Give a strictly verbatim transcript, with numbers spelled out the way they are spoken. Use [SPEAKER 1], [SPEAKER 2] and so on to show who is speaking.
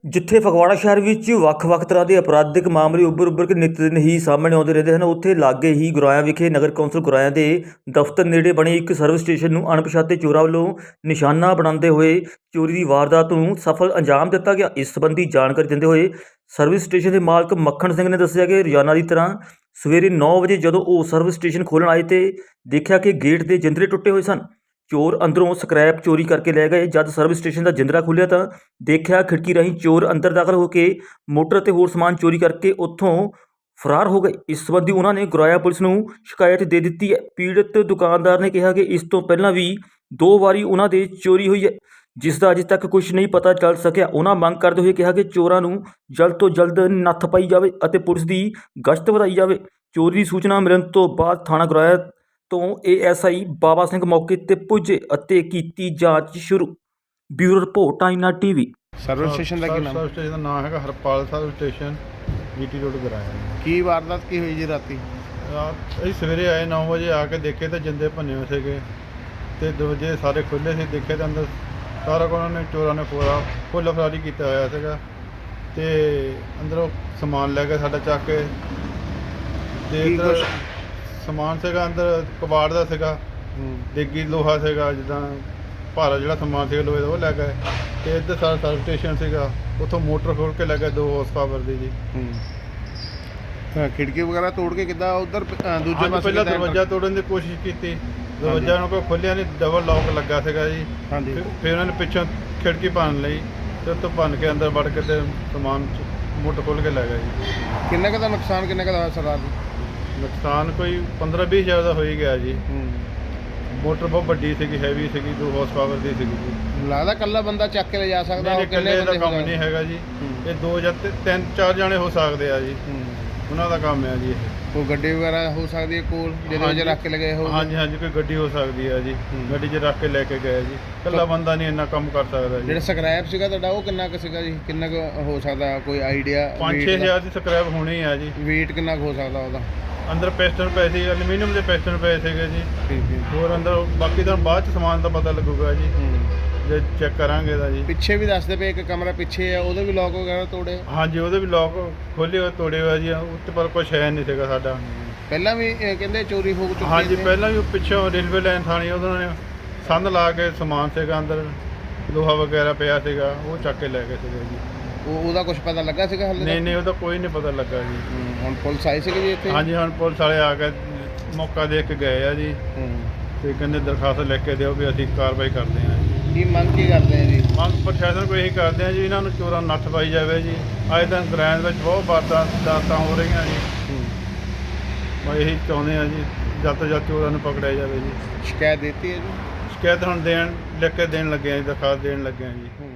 [SPEAKER 1] ਜਿੱਥੇ ਫਗਵਾੜਾ ਸ਼ਹਿਰ ਵਿੱਚ ਵੱਖ-ਵੱਖ ਤਰ੍ਹਾਂ ਦੇ ਅਪਰਾਧਿਕ ਮਾਮਲੇ ਉੱਭਰ-ਉੱਭਰ ਕੇ ਨਿੱਤ ਦਿਨ ਹੀ ਸਾਹਮਣੇ ਆਉਂਦੇ ਰਹਿੰਦੇ ਹਨ, ਉੱਥੇ ਲਾਗੇ ਹੀ ਗੁਰਾਇਆ ਵਿਖੇ ਨਗਰ ਕੌਂਸਲ ਗੁਰਾਇਆ ਦੇ ਦਫ਼ਤਰ ਨੇੜੇ ਬਣੇ ਇੱਕ ਸਰਵਿਸ ਸਟੇਸ਼ਨ ਨੂੰ ਅਣਪਛਾਤੇ ਚੋਰਾਂ ਵੱਲੋਂ ਨਿਸ਼ਾਨਾ ਬਣਾਉਂਦੇ ਹੋਏ ਚੋਰੀ ਦੀ ਵਾਰਦਾਤ ਨੂੰ ਸਫਲ ਅੰਜਾਮ ਦਿੱਤਾ ਗਿਆ। ਇਸ ਸੰਬੰਧੀ ਜਾਣਕਾਰੀ ਦਿੰਦੇ ਹੋਏ ਸਰਵਿਸ ਸਟੇਸ਼ਨ ਦੇ ਮਾਲਕ ਮੱਖਣ ਸਿੰਘ ਨੇ ਦੱਸਿਆ ਕਿ ਰੋਜ਼ਾਨਾ ਦੀ ਤਰ੍ਹਾਂ ਸਵੇਰੇ ਨੌ ਵਜੇ ਜਦੋਂ ਉਹ ਸਰਵਿਸ ਸਟੇਸ਼ਨ ਖੋਲ੍ਹਣ ਆਏ ਤੇ ਦੇਖਿਆ ਕਿ ਗੇਟ ਦੇ ਜਿੰਦਰੇ ਟੁੱਟੇ ਹੋਏ ਸਨ। ਚੋਰ ਅੰਦਰੋਂ ਸਕ੍ਰੈਪ ਚੋਰੀ ਕਰਕੇ ਲੈ ਗਏ। ਜਦ ਸਰਵਿਸ ਸਟੇਸ਼ਨ ਦਾ ਜਿੰਦਰਾ ਖੁੱਲ੍ਹਿਆ ਤਾਂ ਦੇਖਿਆ ਖਿੜਕੀ ਰਾਹੀਂ ਚੋਰ ਅੰਦਰ ਦਾਖਲ ਹੋ ਕੇ ਮੋਟਰ ਅਤੇ ਹੋਰ ਸਮਾਨ ਚੋਰੀ ਕਰਕੇ ਉੱਥੋਂ ਫਰਾਰ ਹੋ ਗਏ। ਇਸ ਸੰਬੰਧੀ ਉਹਨਾਂ ਨੇ ਗੁਰਾਇਆ ਪੁਲਿਸ ਨੂੰ ਸ਼ਿਕਾਇਤ ਦੇ ਦਿੱਤੀ ਹੈ। ਪੀੜਤ ਦੁਕਾਨਦਾਰ ਨੇ ਕਿਹਾ ਕਿ ਇਸ ਤੋਂ ਪਹਿਲਾਂ ਵੀ ਦੋ ਵਾਰੀ ਉਹਨਾਂ ਦੇ ਚੋਰੀ ਹੋਈ ਹੈ, ਜਿਸ ਦਾ ਅਜੇ ਤੱਕ ਕੁਝ ਨਹੀਂ ਪਤਾ ਚੱਲ ਸਕਿਆ। ਉਹਨਾਂ ਮੰਗ ਕਰਦੇ ਹੋਏ ਕਿਹਾ ਕਿ ਚੋਰਾਂ ਨੂੰ ਜਲਦ ਤੋਂ ਜਲਦ ਨੱਥ ਪਾਈ ਜਾਵੇ ਅਤੇ ਪੁਲਿਸ ਦੀ ਗਸ਼ਤ ਵਧਾਈ ਜਾਵੇ। ਚੋਰੀ ਦੀ ਸੂਚਨਾ ਮਿਲਣ ਤੋਂ ਬਾਅਦ ਥਾਣਾ ਗੁਰਾਇਆ ਤੋਂ ਏ ਐਸ ਆਈ ਬਾਬਾ ਸਿੰਘ ਮੌਕੇ ਤੇ ਪੁੱਜੇ ਅਤੇ ਕੀਤੀ ਜਾਂਚ ਸ਼ੁਰੂ। Bureau report Aaina TV.
[SPEAKER 2] Service station ਦਾ ਕੀ ਨਾਮ?
[SPEAKER 3] ਸਰਵਿਸ ਸਟੇਸ਼ਨ ਦਾ ਨਾਮ ਹੈਗਾ Harpal service station, GT road Goraya.
[SPEAKER 2] ਕੀ ਵਾਰਦਾਤ ਕੀ ਹੋਈ ਜੀ ਰਾਤੀ?
[SPEAKER 3] ਰਾਤ ਅਸੀਂ ਸਵੇਰੇ ਆਏ ਨੌ ਵਜੇ, ਆ ਕੇ ਦੇਖੇ ਤਾਂ ਜਿੰਦੇ ਭੰਨੇ ਹੋਏ ਸੀਗੇ ਅਤੇ ਦਰਵਾਜ਼ੇ ਸਾਰੇ ਖੁੱਲ੍ਹੇ ਸੀ। ਦੇਖੇ ਤਾਂ ਅੰਦਰ ਸਾਰਾ ਕੁਝ ਉਹਨਾਂ ਨੇ ਚੋਰਾਂ ਨੇ ਪੂਰਾ ਫੁੱਲ ਫਰਾਰੀ ਕੀਤਾ ਹੋਇਆ ਸੀਗਾ ਅਤੇ ਅੰਦਰੋਂ ਸਮਾਨ ਲੈ ਕੇ ਸਾਡਾ ਚੱਕ ਕੇ ਅਤੇ ਇੱਧਰ ਸਮਾਨ ਸੀਗਾ ਅੰਦਰ ਕਬਾੜ ਦਾ ਸੀਗਾ, ਦੇਗੀ ਲੋਹਾ ਸੀਗਾ, ਜਿੱਦਾਂ ਭਾਰਾ ਜਿਹੜਾ ਸਮਾਨ ਸੀਗਾ ਲੋਹੇ ਦਾ ਉਹ ਲੈ ਗਏ। ਅਤੇ ਇੱਧਰ ਸਾਡਾ ਸਰਵਿਸ ਸਟੇਸ਼ਨ ਸੀਗਾ, ਉੱਥੋਂ ਮੋਟਰ ਖੋਲ੍ਹ ਕੇ ਲੈ ਗਏ ਦੋ ਹੋਰਸ ਪਾਵਰ ਦੀ ਜੀ।
[SPEAKER 2] ਖਿੜਕੀ ਵਗੈਰਾ ਤੋੜ ਕੇ ਕਿੱਦਾਂ ਉੱਧਰ ਦੂਜੇ ਪਾਸੇ?
[SPEAKER 3] ਪਹਿਲਾਂ ਦਰਵਾਜ਼ਾ ਤੋੜਨ ਦੀ ਕੋਸ਼ਿਸ਼ ਕੀਤੀ, ਦਰਵਾਜ਼ਾ ਉਹਨਾਂ ਕੋਲ ਖੋਲ੍ਹਿਆ ਨਹੀਂ, ਡਬਲ ਲੌਕ ਲੱਗਾ ਸੀਗਾ ਜੀ।
[SPEAKER 2] ਹਾਂਜੀ।
[SPEAKER 3] ਫਿਰ ਉਹਨਾਂ ਨੇ ਪਿੱਛੋਂ ਖਿੜਕੀ ਭੰਨ ਲਈ ਅਤੇ ਉੱਥੋਂ ਭੰਨ ਕੇ ਅੰਦਰ ਵੜ ਕੇ ਅਤੇ ਸਮਾਨ ਮੋਟਰ ਖੋਲ੍ਹ ਕੇ ਲੈ ਗਏ ਜੀ।
[SPEAKER 2] ਕਿੰਨੇ ਕੁ ਦਾ ਨੁਕਸਾਨ ਕਿੰਨੇ ਕੁ ਦਾ ਹੋਇਆ ਸਰਦਾਰ ਜੀ?
[SPEAKER 3] ਨੁਕਸਾਨ ਕੋਈ ਪੰਦਰਾਂ ਵੀਹ ਹਜ਼ਾਰ ਦਾ ਹੋ ਹੀ ਗਿਆ ਜੀ। ਮੋਟਰ ਬਹੁਤ ਵੱਡੀ ਸੀਗੀ, ਹੈਵੀ ਸੀਗੀ, ਦੋ ਹਾਰਸ ਪਾਵਰ ਦੀ ਸੀਗੀ ਜੀ।
[SPEAKER 2] ਲੱਗਦਾ ਇਕੱਲਾ ਬੰਦਾ ਚੱਕ ਕੇ ਲੈ ਜਾ ਸਕਦਾ?
[SPEAKER 3] ਨਹੀਂ, ਇਕੱਲੇ ਦਾ ਕੰਮ ਨਹੀਂ ਹੈਗਾ ਜੀ, ਇਹ ਦੋ ਜਾਂ ਤਿੰਨ ਚਾਰ ਜਾਣੇ ਹੋ ਸਕਦੇ ਆ ਜੀ, ਉਹਨਾਂ ਦਾ ਕੰਮ ਹੈ ਜੀ। ਇਹ
[SPEAKER 2] ਕੋਈ ਗੱਡੀ ਵਗੈਰਾ ਹੋ ਸਕਦੀ ਹੈ ਕੋਲ ਜਿਹਦੇ ਵਿੱਚ ਰੱਖ ਕੇ ਲਗਾਏ ਹੋ?
[SPEAKER 3] ਹਾਂਜੀ ਹਾਂਜੀ, ਕੋਈ ਗੱਡੀ ਹੋ ਸਕਦੀ ਹੈ ਜੀ, ਗੱਡੀ 'ਚ ਰੱਖ ਕੇ ਲੈ ਕੇ ਗਏ ਜੀ। ਇਕੱਲਾ ਬੰਦਾ ਨਹੀਂ ਇੰਨਾ ਕੰਮ ਕਰ ਸਕਦਾ ਜੀ।
[SPEAKER 2] ਜਿਹੜਾ ਸਕ੍ਰੈਪ ਸੀਗਾ ਤੁਹਾਡਾ ਉਹ ਕਿੰਨਾ ਕੁ ਸੀਗਾ ਜੀ? ਕਿੰਨਾ ਕੁ ਹੋ ਸਕਦਾ, ਕੋਈ ਆਈਡੀਆ?
[SPEAKER 3] ਪੰਜ ਛੇ ਹਜ਼ਾਰ ਦੀ ਸਕ੍ਰੈਪ ਹੋਣੀ ਆ ਜੀ।
[SPEAKER 2] ਵੇਟ ਕਿੰਨਾ ਕੁ ਹੋ ਸਕਦਾ ਉਹਦਾ?
[SPEAKER 3] ਅੰਦਰ ਪਿਸਟਨ ਪਏ ਸੀ, ਐਲੂਮੀਨੀਅਮ ਦੇ ਪਿਸਟਨ ਪਏ ਸੀਗੇ ਜੀ।
[SPEAKER 2] ਠੀਕ ਹੈ।
[SPEAKER 3] ਹੋਰ ਅੰਦਰ ਬਾਕੀ ਤਾਂ ਬਾਅਦ 'ਚ ਸਮਾਨ ਦਾ ਪਤਾ ਲੱਗੂਗਾ ਜੀ, ਜੇ ਚੈੱਕ ਕਰਾਂਗੇ ਤਾਂ ਜੀ।
[SPEAKER 2] ਪਿੱਛੇ ਵੀ ਦੱਸਦੇ ਪਏ ਇੱਕ ਕਮਰਾ ਪਿੱਛੇ ਆ, ਉਹਦੇ ਵੀ ਲੋਕ ਵਗੈਰਾ ਤੋੜੇ?
[SPEAKER 3] ਹਾਂਜੀ, ਉਹਦੇ ਵੀ ਲੋਕ ਖੋਲ੍ਹੇ ਹੋਏ ਤੋੜੇ ਹੋਏ ਜੀ, ਉੱਤੇ ਪਰ ਕੁਛ ਹੈ ਨਹੀਂ ਸੀਗਾ ਸਾਡਾ।
[SPEAKER 2] ਪਹਿਲਾਂ ਵੀ ਇਹ ਕਹਿੰਦੇ ਚੋਰੀ ਹੋ ਚੁੱਕੀ?
[SPEAKER 3] ਹਾਂਜੀ, ਪਹਿਲਾਂ ਵੀ ਪਿੱਛੋਂ ਰੇਲਵੇ ਲਾਈਨ ਥਾਣੀ ਉਹਨਾਂ ਨੇ ਸੰਦ ਲਾ ਕੇ ਸਮਾਨ ਸੀਗਾ ਅੰਦਰ, ਲੋਹਾ ਵਗੈਰਾ ਪਿਆ ਸੀਗਾ, ਉਹ ਚੱਕ ਕੇ ਲੈ ਗਏ ਸੀਗੇ ਜੀ।
[SPEAKER 2] ਉਹ ਉਹਦਾ ਕੁਝ ਪਤਾ ਲੱਗਾ ਸੀਗਾ ਹਾਲੇ?
[SPEAKER 3] ਨਹੀਂ ਨਹੀਂ, ਉਹਦਾ ਕੋਈ ਨਹੀਂ ਪਤਾ ਲੱਗਾ ਜੀ।
[SPEAKER 2] ਹੁਣ ਪੁਲਿਸ ਆਈ ਸੀਗੀ ਜੀ ਇੱਥੇ?
[SPEAKER 3] ਹਾਂਜੀ, ਹੁਣ ਪੁਲਿਸ ਵਾਲੇ ਆ ਕੇ ਮੌਕਾ ਦੇਖ ਕੇ ਗਏ ਆ ਜੀ, ਤੇ ਕਹਿੰਦੇ ਦਰਖਾਸਤ ਲਿਖ ਕੇ ਦਿਓ ਵੀ ਅਸੀਂ ਕਾਰਵਾਈ ਕਰਦੇ ਹਾਂ ਜੀ।
[SPEAKER 2] ਕੀ ਮੰਗ ਕੀ ਕਰਦੇ ਆ ਜੀ?
[SPEAKER 3] ਮੰਗ ਪ੍ਰਸ਼ਾਸਨ ਕੋਲ ਇਹੀ ਕਰਦੇ ਆ ਜੀ, ਇਹਨਾਂ ਨੂੰ ਚੋਰਾਂ ਨੂੰ ਨੱਥ ਪਾਈ ਜਾਵੇ ਜੀ। ਅੱਜ ਦਿਨ ਗੁਰਾਇਆ ਵਿੱਚ ਬਹੁਤ ਵਾਰਦਾਤਾਂ ਹੋ ਰਹੀਆਂ ਜੀ, ਮੈਂ ਇਹੀ ਚਾਹੁੰਦੇ ਆ ਜੀ, ਜਦ ਤੋਂ ਜਦ ਚੋਰਾਂ ਨੂੰ ਪਕੜਿਆ ਜਾਵੇ ਜੀ।
[SPEAKER 2] ਸ਼ਿਕਾਇਤ ਦਿੱਤੀ ਹੈ ਜੀ?
[SPEAKER 3] ਸ਼ਿਕਾਇਤ ਹੁਣ ਦੇਣ ਲਿਖ ਕੇ ਦੇਣ ਲੱਗੇ ਆ ਜੀ, ਦਰਖਾਸਤ ਦੇਣ ਲੱਗੇ ਆ ਜੀ।